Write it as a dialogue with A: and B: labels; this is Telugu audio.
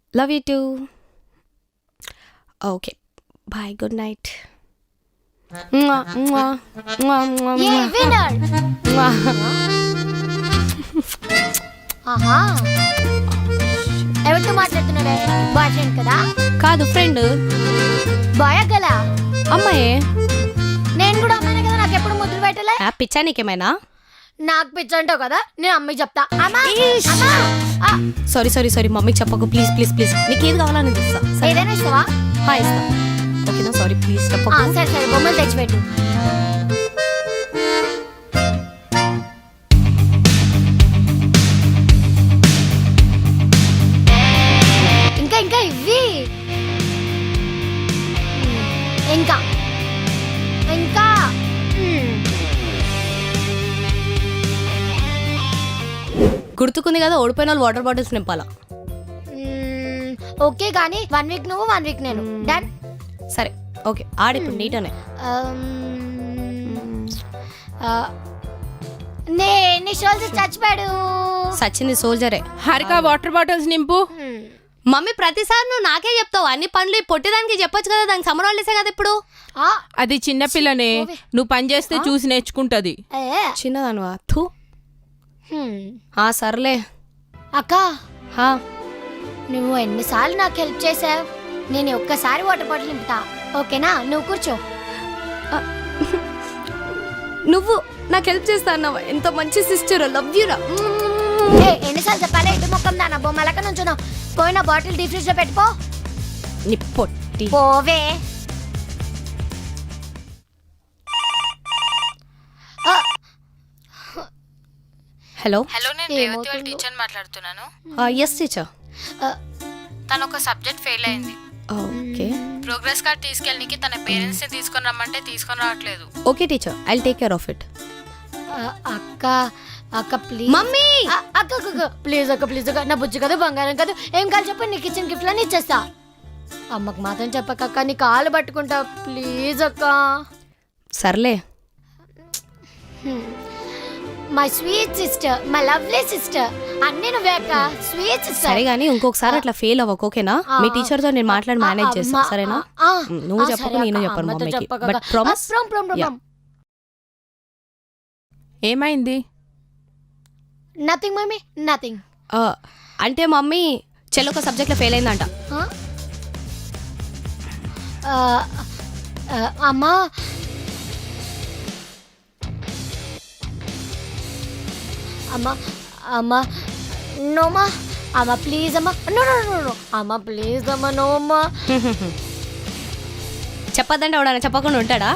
A: Love you too. Okay bye, good night.
B: A winner. ఆహా, ఎవరితో మాట్లాడుతున్నాడే? బాయ్ ఫ్రెండ్ కదా?
A: కాదు, ఫ్రెండ్.
B: బాయ్ గల
A: అమ్మాయే.
B: నేను కూడా అమ్మాయినే కదా, నాకు ఎప్పుడు ముద్దులు పెట్టలే.
A: పిచ్చా నీకేమైనా?
B: నాకు పిచ్చి అంటావు కదా, నేను అమ్మకి చెప్తా. అమ్మా, అమ్మా.
A: సారీ సారీ సారీ, మమ్మీకి చెప్పకు ప్లీజ్ ప్లీజ్ ప్లీజ్. నీకు ఏది కావాలని ఇస్తా.
B: ఏదైనా ఇస్తావా?
A: ఇస్తా. ఓకేనా? సారీ ప్లీజ్ చెప్పకు.
B: సరే సరే, బొమ్మలు తెచ్చిపెట్టు. ఇంకా ఇంకా ఇవి ఇంకా ఇంకా
A: గుర్తుకుంది కదా, ఓడిపోయిన వాళ్ళు వాటర్ బాటిల్స్ నింపాలా.
B: ఓకే కానీ 1 వీక్ నువ్వు 1 వీక్ నేను. డన్.
A: సరే ఓకే, ఆడిప్పుడు నీటనే.
B: నీ షోల్డర్ చచ్చిపోయాడు.
A: సచింది సోల్జరే.
C: హారిక వాటర్ బాటిల్స్ నింపు.
A: మమ్మీ ప్రతిసారి నువ్వు నాకే చెప్తావు అన్ని పనులు. పొట్టిదానికి చెప్పొచ్చు కదా, దానికి సమ్మర్ హాలిడేసే కదా ఇప్పుడు.
C: అది చిన్నపిల్లనే, నువ్వు పని చేస్తే చూసి నేర్చుకుంటది.
A: చిన్నదానువా? థూ. సర్లే
B: అక్క, నువ్వు ఎన్నిసార్లు నాకు హెల్ప్ చేసావు. నేను ఒక్కసారి వాటర్ బాటిల్ నింపుతా, ఓకేనా? నువ్వు కూర్చో.
A: నువ్వు నాకు హెల్ప్ చేస్తా అన్నావా? ఎంత మంచి సిస్టర్, లవ్ యూ రా.
B: ఎన్నిసార్లు చెప్పాలి? ఎటు మొక్కం దానా బొమ్మలక నుంచును. పోయిన బాటిల్ డీ ఫ్రిడ్జ్ లో పెట్టుకో.
A: నీ పొట్టి.
B: పోవే.
A: హలో.
D: హలో, నేను రేవతి వాళ్ళ టీచర్ మాట్లాడుతున్నాను.
A: Yes teacher.
D: తను ఒక సబ్జెక్ట్ ఫెయిల్ అయింది.
A: ఓకే.
D: ప్రోగ్రెస్ కార్డ్ తీసుకెళ్ళడానికి తన పేరెంట్స్ ని తీసుకొని రమ్మంటే తీసుకొని రావట్లేదు.
A: Okay teacher, I will take care of it.
B: అక్క అక్క ప్లీజ్.
A: మమ్మీ.
B: అక్క ప్లీజ్ అక్క, ప్లీజ్ అక్క. నా బుజ్జి కదా, బంగారం కదా, ఏం కావాలి చెప్పండి, నీకు ఇచ్చిన గిఫ్ట్ అని ఇచ్చేస్తా. అమ్మకు మాత్రం చెప్పక్క, నీ కాళ్ళు పట్టుకుంటా ప్లీజ్ అక్క.
A: సర్లే.
B: My sweet sister, my lovely sister, అన్నీ నువ్వే అక్క. Sweet sister.
A: సరే కానీ ఇంకొకసారి అట్లా ఫెయిల్ అవ్వకు, ఓకేనా? మీ టీచర్ తో నేను మాట్లాడి మేనేజ్ చేస్తా, సరేనా? నువ్వు చెప్పకు, నేను చెప్పను మమ్మీకి. But promise.
C: ఏమైంది?
B: Nothing mummy, nothing.
A: అంటే మమ్మీ చెల్లి ఒక సబ్జెక్ట్ లో ఫెయిల్ అయిందంట.
B: అమ్మా, అమ్మా అమ్మా నోమా, అమ్మా ప్లీజ్ అమ్మా. నో నో నో నో అమ్మా ప్లీజ్ అమ్మా, నోమా.
A: చెప్పద్దంటే ఎవడన్నా చెప్పకుండా ఉంటాడా?